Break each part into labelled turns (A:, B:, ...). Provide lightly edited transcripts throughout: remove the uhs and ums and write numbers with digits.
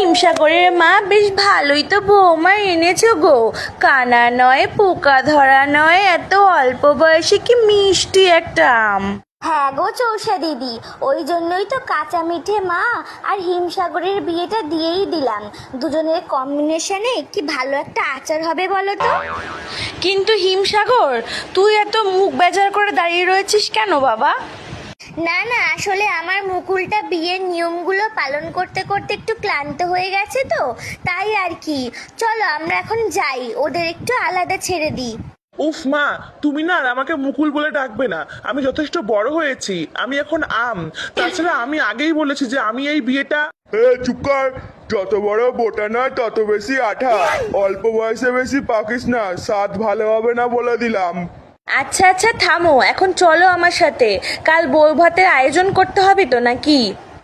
A: হিমসাগরের মা, বেশ ভালোই তো বৌমা এনেছো গো। কানা নয়, পোকা ধরা নয়, এত অল্প বয়সে কি মিষ্টি একটা আম।
B: হ্যাঁ গো চৌষা দিদি, ওই জন্যই তো কাঁচা মিঠে মা আর হিমসাগরের বিয়েটা দিয়েই দিলাম। দুজনের কম্বিনেশনে কি ভালো একটা আচার হবে বলো তো।
A: কিন্তু হিমসাগর, তুই এত মুখ বেজার করে দাঁড়িয়ে রয়েছিস কেন বাবা?
B: না না, আসলে আমার মুকুলটা বিয়ের নিয়মগুলো পালন করতে করতে একটু ক্লান্ত হয়ে গেছে তো, তাই আর কি। চলো আমরা এখন যাই, ওদের একটু আলাদা ছেড়ে দিই।
C: উফ মা, তুমি না আর আমাকে মুকুল বলে ডাকবে না। আমি যথেষ্ট বড় হয়েছি, আমি এখন আম। তাছাড়া আমি আগেই বলেছি যে আমি এই বিয়েটা।
D: চুপ কর। যত বড় বোটা নয় তত বেশি আঠা। অল্প বয়সে বেশি পাকিস না, স্বাদ ভালো হবে না বলে দিলাম।
A: আচ্ছা আচ্ছা থামো, এখন চলো আমার সাথে। কাল বউ ভাতের আয়োজন করতে হবে তো নাকি?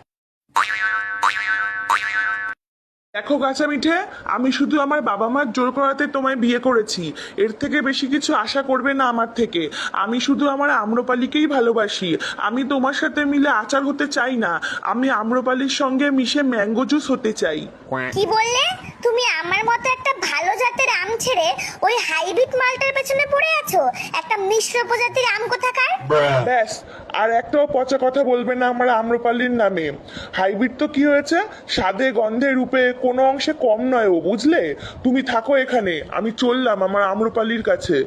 C: দেখো কাঁচা মিঠে, আমি শুধু আমার বাবা মার জোর করাতে তোমায় বিয়ে করেছি। এর থেকে বেশি কিছু আশা করবে না আমার থেকে। আমি শুধু আমার আম্রপালিকেই ভালোবাসি। আমি তোমার সাথে মিলে আচার হতে চাই না, আমি আম্রপালির সঙ্গে মিশে ম্যাঙ্গো জুস হতে চাই।
B: কি বললে তুমি? আমার মতো একটা ভালো জাতের আম ছেড়ে ওই হাইব্রিড মালটার পেছনে পড়ে আছো? একটা মিশ্র প্রজাতির আম কোথাকার।
C: ব্যাস, আর একটাও পচা কথা বলবে না আমার আম্রপালির নামে। হাইব্রিড তো কি হয়েছে, স্বাদে গন্ধে রূপে কোনো অংশে কম নয় ও, বুঝলে? তুমি থাকো এখানে, আমি চললাম আমার আম্রপালির কাছে।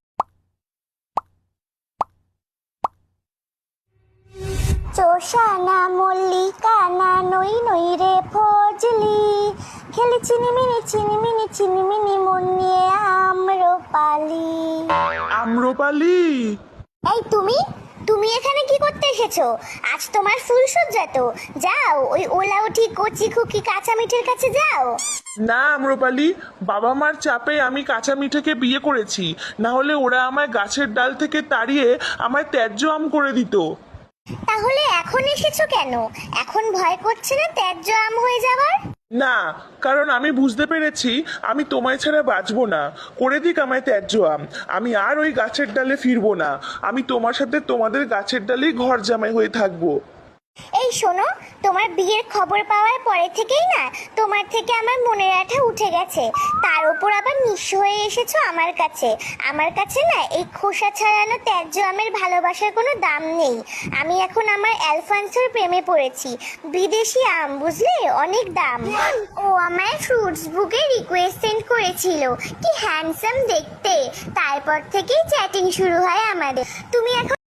B: চোষা না মল্লিকা না নই নই রে ফজলি, খেলে চিনিমিনি চিনিমিনি চিনিমিনি মন নিয়ে আম্রপালি।
C: আম্রপালি,
B: এই তুমি তুমি এখানে কি করতে এসেছো? আজ তোমার ফুলসজ্জা তো, যাও ওই ওলা উঠি কচি খুকি কাঁচা মিঠের কাছে যাও।
C: না আম্রপালি, বাবা মার চাপে আমি কাঁচা মিঠেকে বিয়ে করেছি, না হলে ওরা আমায় গাছের ডাল থেকে তাড়িয়ে আমায় ত্যায্য আম করে দিত।
B: তাহলে এখন এসেছো কেন? এখন ভয় করছে না ত্যায্য আম হয়ে যাবার?
C: না, কারণ আমি বুঝতে পেরেছি আমি তোমায় ছাড়া বাঁচবো না। করে দিক আমায় ত্যায্য আম, আমি আর ওই গাছের ডালে ফিরবো না। আমি তোমার সাথে তোমাদের গাছের ডালেই ঘর জামাই হয়ে থাকবো।
B: এই শোনো, তোমার বিয়ের খবর পাওয়ার পরে থেকেই না তোমার থেকে আমার মনের আঠা উঠে গেছে। তার উপর আবার নিঃস্ব হয়ে এসেছো আমার কাছে। আমার কাছে না এই খোসা ছাড়ানো ত্যায্য আমের ভালোবাসার কোনো দাম নেই। আমি এখন আমার অ্যালফান্সোর প্রেমে পড়েছি। বিদেশি আম, বুঝলে, অনেক দাম। ও আমায় ফ্রুটস বুকে রিকোয়েস্ট সেন্ড করেছিল, কি হ্যান্ডসাম দেখতে। তারপর থেকেই চ্যাটিং শুরু হয় আমাদের। তুমি এখন